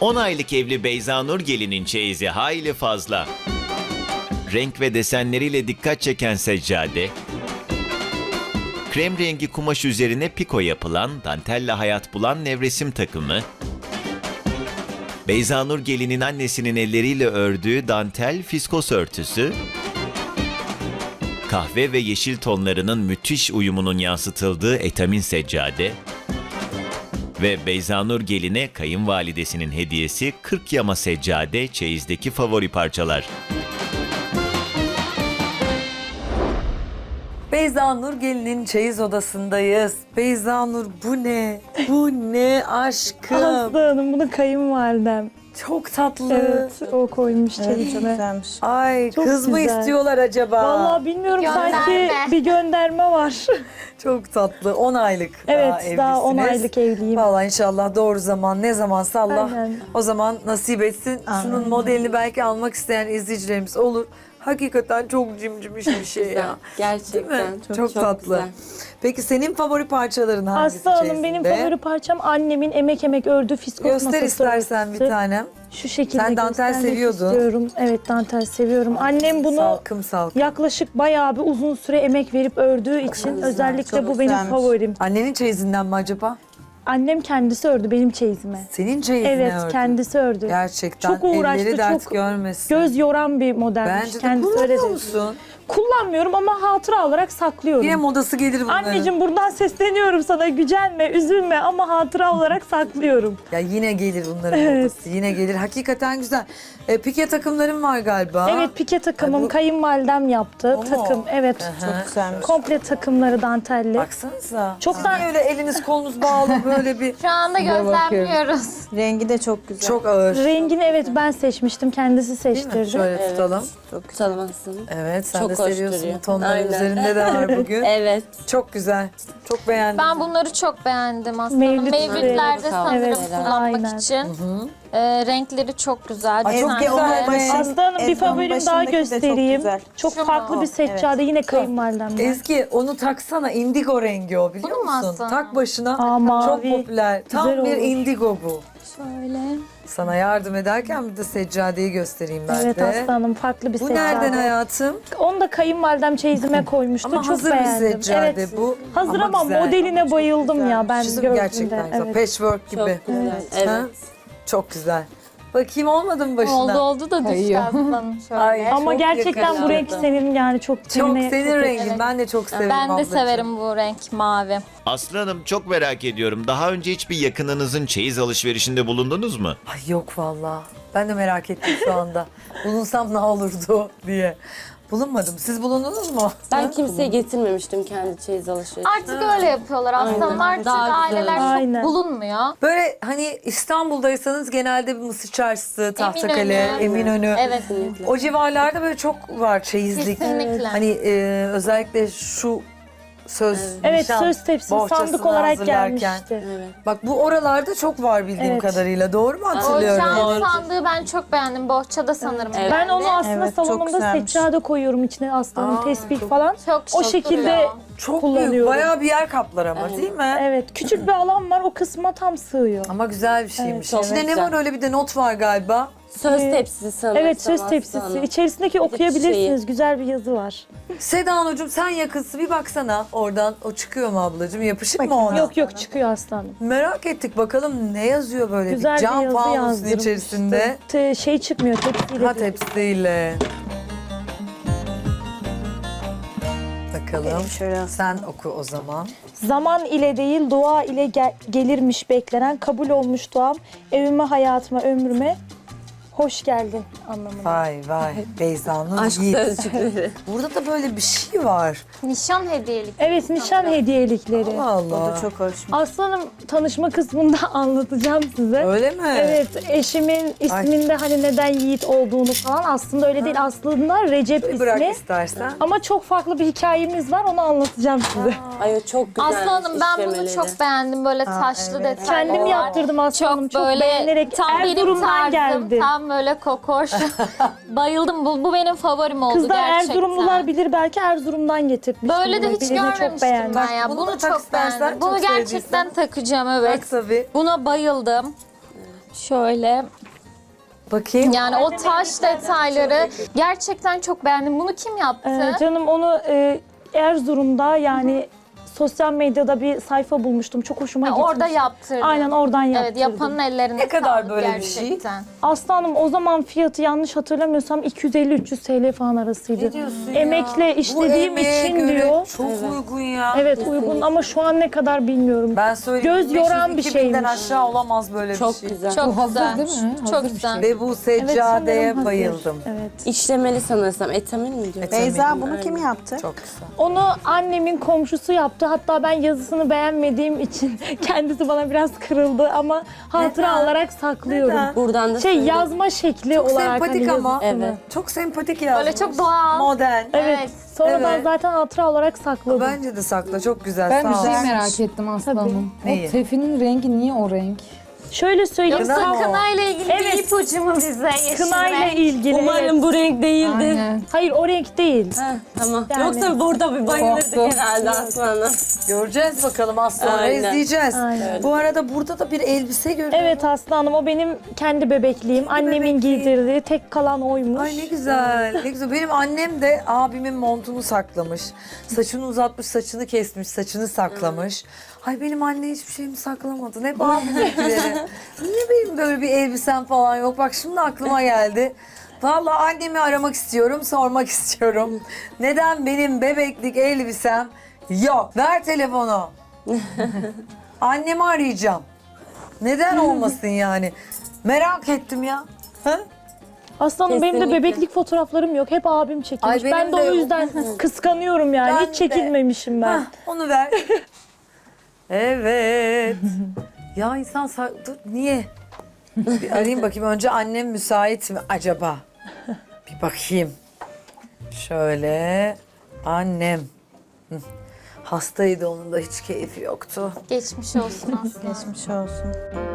10 aylık evli Beyzanur gelinin çeyizi hayli fazla. Renk ve desenleriyle dikkat çeken seccade, krem rengi kumaş üzerine piko yapılan, dantelle hayat bulan nevresim takımı, Beyzanur gelinin annesinin elleriyle ördüğü dantel fiskos örtüsü, kahve ve yeşil tonlarının müthiş uyumunun yansıtıldığı etamin seccade ve Beyzanur geline kayınvalidesinin hediyesi 40 yama seccade çeyizdeki favori parçalar. Beyzanur gelinin çeyiz odasındayız. Beyzanur bu ne? Bu ne aşkım? Aslı Hanım bunu kayınvalidem. Çok tatlı. Evet o koymuş Evet, çok çeyizime. güzelmiş. Ay Çok kız mı güzel. istiyorlar acaba? Vallahi bilmiyorum sanki Gönderme. bir gönderme var. Çok tatlı. 10 aylık Evet daha 10 evlisiniz. aylık evliyim. Vallahi inşallah doğru zaman ne zamansa Allah Aynen. o zaman nasip etsin. Şunun modelini belki almak isteyen izleyicilerimiz olur. Hakikaten çok cimcimiş bir şey ya. Değil mi? Gerçekten Çok tatlı. güzel. Peki senin favori parçaların hangisi Aslı Hanım benim çeyizinde? favori parçam annemin emek ördüğü fiskos masası. Göster istersen bir örtüsü. tanem. Şu şekilde Sen dantel göstermek seviyordun. istiyorum. Evet dantel seviyorum. Annem bunu Salkım salkım. yaklaşık bayağı bir uzun süre emek verip ördüğü için özellikle çok bu benim güzelmiş. favorim. Annenin çeyizinden mi acaba? Annem kendisi ördü benim çeyizime. Senin çeyizine Evet ördü. kendisi ördü. Gerçekten Çok uğraştı, elleri dert çok görmesin. Göz yoran bir modelmiş. Bence de kendisi öyle kullanıyor dedi. musun? Kullanmıyorum ama hatıra olarak saklıyorum. Yine modası gelir bunların. Anneciğim buradan sesleniyorum sana, gücenme, üzülme ama hatıra olarak saklıyorum. Ya yine gelir bunların modası. Yine gelir. Hakikaten güzel. Pike takımların var galiba. Evet pike takımım Ay, bu- kayınvalidem yaptı. O mu? Takım evet. Aha. Güzelmiş. Komple takımları dantelli. Baksanıza. Çok Siz da- niye öyle eliniz kolunuz bağlı böyle bir Şu anda gözlemliyoruz. Rengi de çok güzel. çok ağır. Rengini evet ben seçmiştim, kendisi Değil mi? seçtirdi. Şöyle tutalım. Çok güzel. Tanımazsın. Evet sen Çok de hoş seviyorsun. duruyor. Bu tonların Aynen. üzerinde de var bugün. Evet. Çok güzel. Çok beğendim. Ben bunları çok beğendim aslında. Mevlüt Mevlütlerde süreci. sanırım Evet, kullanmak aynen. için. Renkleri çok güzel. Ay, çok desenleri. güzel. Başın- Aslı Hanım bir Ezgi'nin favorim daha başındaki de çok göstereyim. güzel. Çok Şu mu? farklı bir seccade yine kayınvalidemden. Ezgi onu taksana, indigo rengi o biliyor Bunu mu musun? alsana? Tak başına. Aa, Çok mavi. popüler. Tam Güzel bir olur. indigo bu. Şöyle. Sana yardım ederken bir de seccadeyi göstereyim ben Evet de. Aslı Hanım farklı bir Bu seccade. nereden hayatım? Onu da kayınvalidem çeyizime koymuştu. Ama çok hazır beğendim. bir seccade Evet. bu. Hazır ama güzel. modeline bayıldım ya ben Çizim gördüğümde. gerçekten güzel. Evet. Patchwork gibi. Çok güzel. Evet. Ha? Çok güzel. Bakayım olmadı mı başına? Oldu da düştü aslanım şöyle. Ay, Ama çok gerçekten bu renk yakışıyor. senin yani çok Çok tenine senin çok rengin. Evet. Ben de çok severim Ben de ablacığım. severim bu renk mavi. Aslı Hanım çok merak ediyorum. Daha önce hiçbir yakınınızın çeyiz alışverişinde bulundunuz mu? Ay yok vallahi. Ben de merak ettim şu anda. Bulunsam ne olurdu diye. Bulunmadım. Siz bulundunuz mu? Ben kimseye getirmemiştim kendi çeyiz alışverişi. Artık öyle yapıyorlar aslanım. Artık Daha güzel. aileler çok Aynen. bulunmuyor. Böyle hani İstanbul'daysanız genelde bir Mısır Çarşısı, Tahtakale, Eminönü. Evet. O civarlarda böyle çok var çeyizlik. Kesinlikle. Hani özellikle şu söz, Evet nişan söz tepsisi bohçasını sandık olarak hazırlarken. gelmişti. Evet. Bak bu oralarda çok var bildiğim Evet. kadarıyla. Doğru mu O hatırlıyorum? cam sandığı ben çok beğendim. Bohçada sanırım. Evet. Ben onu aslında Evet, çok salonumda güzelmiş. seccade koyuyorum içine aslanın Aa, tesbih çok- falan. Çok O şık şekilde duruyor. Çok büyük. kullanıyorum. Bayağı bir yer kaplar ama değil mi? Evet küçük bir alan var, o kısma tam sığıyor. Ama güzel bir şeymiş. Evet, İçinde çok ne güzel. var öyle bir de not var galiba. Söz tepsisi sanırım. Evet söz tepsisi. İçerisindeki okuyabilirsiniz. şeyi. Güzel bir yazı var. Seda Hanımcığım sen yakınsın bir baksana oradan. O çıkıyor mu ablacığım? Yapışık mı ona? Yok yok çıkıyor aslanım. Merak ettik bakalım ne yazıyor böyle Güzel bir bir cam yazı fanusun yazdırmıştı. içerisinde. Şey çıkmıyor tepsiyle. Ha değil. tepsiyle. Bakalım. Şöyle Sen oku o zaman. Zaman ile değil dua ile gelirmiş beklenen, kabul olmuş duam evime, hayatıma, ömrüme hoş geldin anlamında. Vay vay Beyza'nın aşk Yiğit. sözcükleri. Burada da böyle bir şey var. Nişan hediyelik. Evet nişan hediyelikleri. Allah O Allah. da çok hoş. Aslanım tanışma kısmında anlatacağım size. Öyle mi? Evet, eşimin isminde hani neden Yiğit olduğunu falan aslında öyle değil. Aslında Recep Bırak ismi. istersen. Ama çok farklı bir hikayemiz var, onu anlatacağım size. Ay o çok güzel. Aslanım ben bunu çok beğendim. Böyle taşlı evet. detaylı. Kendim var. yaptırdım aslanım. Çok böyle beğenerek tam benim Erzurum'dan tarzım. geldi. Tam böyle kokoş. Bayıldım. Bu benim favorim oldu Kızlar gerçekten. Erzurumlular bilir, belki Erzurum'dan getirtmiştim. Böyle de bunu. hiç Birini çok görmemiştim beğendim. ben ya. Bunu Bunu da tak çok istersen, beğendim. çok Bunu sevdiysen. gerçekten takacağım Bak evet. tabii. Buna bayıldım. Şöyle Bakayım. yani o taş detayları gerçekten çok beğendim. Bunu kim yaptı? Canım onu Erzurum'da yani sosyal medyada bir sayfa bulmuştum. Çok hoşuma gitmişti. Orada yaptırdın. Aynen oradan yaptırdım. Evet, yapanın ellerine Ne kadar sağlık böyle bir şey? gerçekten. Aslanım o zaman fiyatı yanlış hatırlamıyorsam 250-300 TL falan arasıydı. Ne diyorsun ya? Emekle Bu işlediğim emeğe için göre diyor. Çok uygun ya. Evet uygun ama şu an ne kadar bilmiyorum. Ben söyleyeyim. Göz yoran bir 500-2000'den şeymiş. aşağı olamaz böyle Çok bir şey. güzel. Çok güzel. değil mi? Çok Hazır bir güzel. Ve bu Evet, seccadeye sanırım hazır. bayıldım. Evet. İşlemeli sanırsam. Etamin mi diyor? Beyza bunu kim yaptı? Çok güzel. Onu annemin komşusu yaptı. Hatta ben yazısını beğenmediğim için kendisi bana biraz kırıldı ama hatıra Neden? olarak saklıyorum. Neden? Buradan da Şey söyleyeyim. yazma şekli Çok olarak sempatik hani ama. yazısını. Evet. Çok sempatik yazmış. Böyle çok doğal. Modern. Evet. Sonradan Evet. zaten hatıra olarak sakladım. Bence de sakla. Çok güzel. Ben bir Sağ ol. şey merak ettim aslanım. Neyi? O tefinin rengi niye o renk? Şöyle söyleyeyim. Kına mı o? Kınayla ilgili Evet. bir ipucu mu bize yeşil Kınayla renk? ilgili. Umarım evet. bu renk değildir. Aynen. Hayır o renk değil. Heh, tamam. Yani- Yoksa burada bir bayılırdık Korktum. herhalde Aslan'a. Göreceğiz bakalım az sonra Aynen. izleyeceğiz. Aynen. Bu arada burada da bir elbise görüyorum. Evet aslanım o benim kendi bebekliğim. Annemin bebekliği. giydirdiği tek kalan oymuş. Ay ne güzel, ne güzel. Benim annem de abimin montunu saklamış. Saçını uzatmış, saçını kesmiş, saçını saklamış. Ay benim anne hiçbir şeyimi saklamadı. Ne abiminkileri. Niye benim böyle bir elbisem falan yok? Bak şimdi aklıma geldi. Vallahi annemi aramak istiyorum, sormak istiyorum. Neden benim bebeklik elbisem yok? Ver telefonu. Annemi arayacağım. Neden olmasın yani? Merak ettim ya. Ha? Aslanım benim de Kesinlikle. bebeklik fotoğraflarım yok. Hep abim çekilmiş. Ay, benim Ben de de o yok. yüzden kıskanıyorum yani. Ben Hiç çekilmemişim ben. Hah, onu ver. Evet. Ya insan dur niye? Bir arayayım bakayım. Önce annem müsait mi acaba? Bir bakayım. Şöyle. Annem. Hı. Hastaydı, onun da hiç keyfi yoktu. Geçmiş olsun aslında. Geçmiş olsun.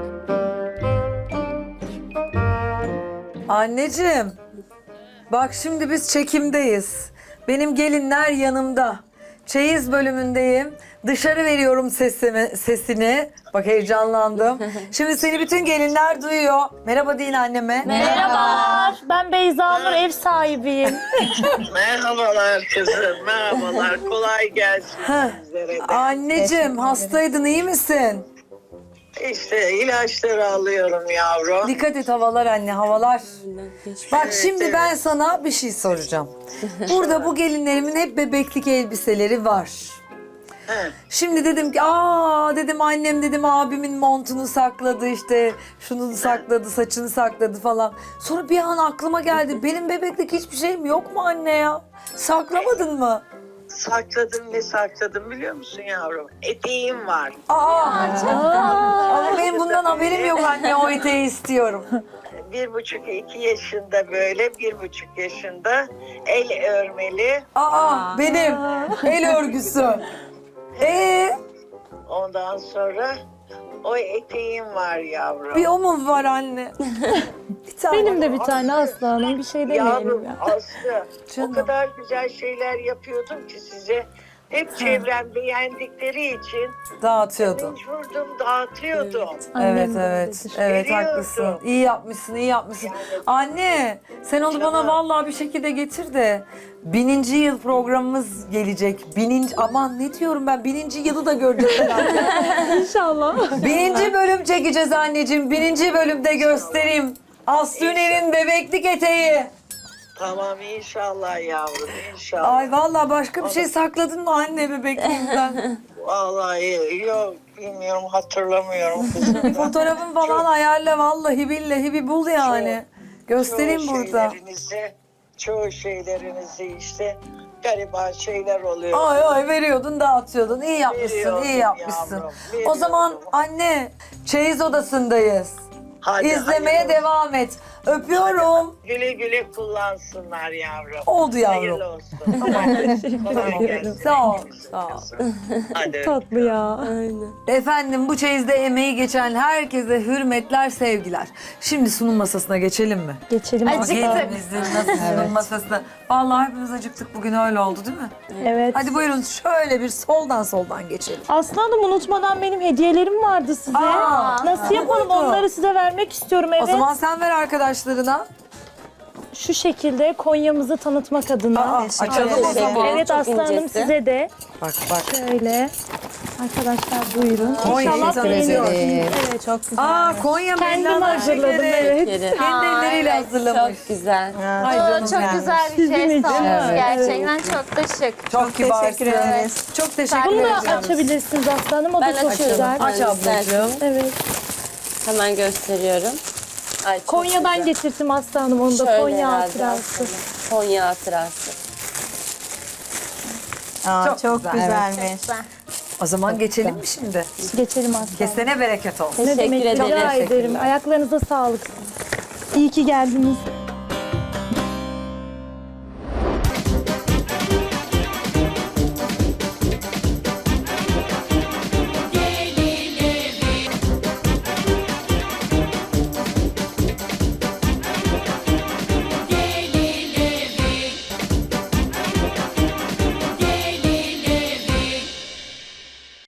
Anneciğim. Bak şimdi biz çekimdeyiz. Benim gelinler yanımda. Çeyiz bölümündeyim. Dışarı veriyorum sesini. Bak heyecanlandım. Şimdi seni bütün gelinler duyuyor. Merhaba deyin anneme. Merhabalar. Ben Beyza Nur, ev sahibiyim. Merhabalar kızım, merhabalar. Kolay gelsin Ha. sizlere de. Anneciğim hastaydın, iyi misin? İşte ilaçları alıyorum yavrum. Dikkat et, havalar anne, havalar. Bak Evet, şimdi evet. ben sana bir şey soracağım. Burada bu gelinlerimin hep bebeklik elbiseleri var. He. Şimdi dedim ki dedim annem dedim abimin montunu sakladı, işte şunu sakladı, saçını sakladı falan. Sonra bir an aklıma geldi, benim bebeklik hiçbir şeyim yok mu anne ya? Saklamadın mı? Sakladım, ne sakladım biliyor musun yavrum? Eteğim var. Ama benim bundan haberim yok anne, o eteği istiyorum. 1,5-2 yaşında böyle, 1,5 yaşında el örmeli. Benim el örgüsü. Ondan sonra o eteğim var yavrum. Bir o mu var anne? Bir tane. Benim de bir tane aslanım. Bir şey demeyelim Yavrum ya. Aslı, Canım. o kadar güzel şeyler yapıyordum ki size. Hep çevrem beğendikleri için Dağıtıyordun. mecburdum, dağıtıyordum. Evet, Annem de evet. öyledir. Evet, Biliyorsun. haklısın. İyi yapmışsın, iyi yapmışsın. Anne, sen onu bana vallahi bir şekilde getir de 1000. yıl programımız gelecek. Aman ne diyorum ben, 1000. yılı da göreceğiz herhalde. İnşallah. 1000. bölüm çekeceğiz anneciğim. 1000. bölümde göstereyim. Aslı Üner'in bebeklik eteği. Tamam inşallah yavrum, inşallah. Ay vallahi başka bir şey sakladın mı anne bebekliğinden? Vallahi yok, bilmiyorum, hatırlamıyorum kızım. Fotoğrafın falan ayarla, vallahi billahi bir bul yani. Göstereyim burada. Çoğu şeylerinizi işte gariban şeyler oluyor. Ay veriyordun, dağıtıyordun. İyi yapmışsın, Veriyordum iyi yapmışsın. yavrum, O veriyordum. zaman anne, çeyiz odasındayız. Hadi, İzlemeye hadi. devam et. Öpüyorum. Güle güle kullansınlar yavrum. Oldu yavrum. Hayırlı olsun. Kolay gelsin. Sağ ol. Sağ ol. Hadi. Tatlı ya. Aynen. Efendim bu çeyizde emeği geçen herkese hürmetler, sevgiler. Şimdi sunum masasına geçelim mi? Geçelim. Gelinimizin nasıl sunum masasına. Vallahi hepimiz acıktık bugün, öyle oldu değil mi? Evet. Hadi buyurun şöyle bir soldan geçelim. Aslı Hanım, unutmadan benim hediyelerim vardı size. Aa, Nasıl yapalım? buyurun. Onları size vermek istiyorum. Evet. O zaman sen ver arkadaşlarına. Şu şekilde Konya'mızı tanıtmak adına. Aa, açalım o zaman. Evet Çok Aslı Hanım, incesi. size de Bak. şöyle. Arkadaşlar buyurun. Konya'yı İnşallah tanıtıyoruz. beğeniyorsunuz. Evet, çok güzel. Konya Kendim meydanlar hazırladım, şekeri. evet. Kendi elleriyle hazırlamış. Çok güzel. Ay canım Çok benim. güzel bir şey için. olmuş. Evet. Gerçekten çok da şık. Çok kibarsın. teşekkür ederiz. Çok teşekkür Bunu da ederim. açabilirsiniz Aslı Hanım. O da Ben çok açıyorum. güzel. Aç ablacığım. Evet. Hemen gösteriyorum. Ay, çok Konya'dan güzel. getirdim Aslı Hanım onu da. Şöyle Konya herhalde hatırası. aslında. Konya hatırası. Çok güzelmiş. Güzel. O zaman geçelim mi şimdi? Geçelim Aslı Hanım. Kesene bereket olsun. Ne demek, Teşekkür rica ederim. ederim. Ayaklarınıza sağlık. İyi ki geldiniz.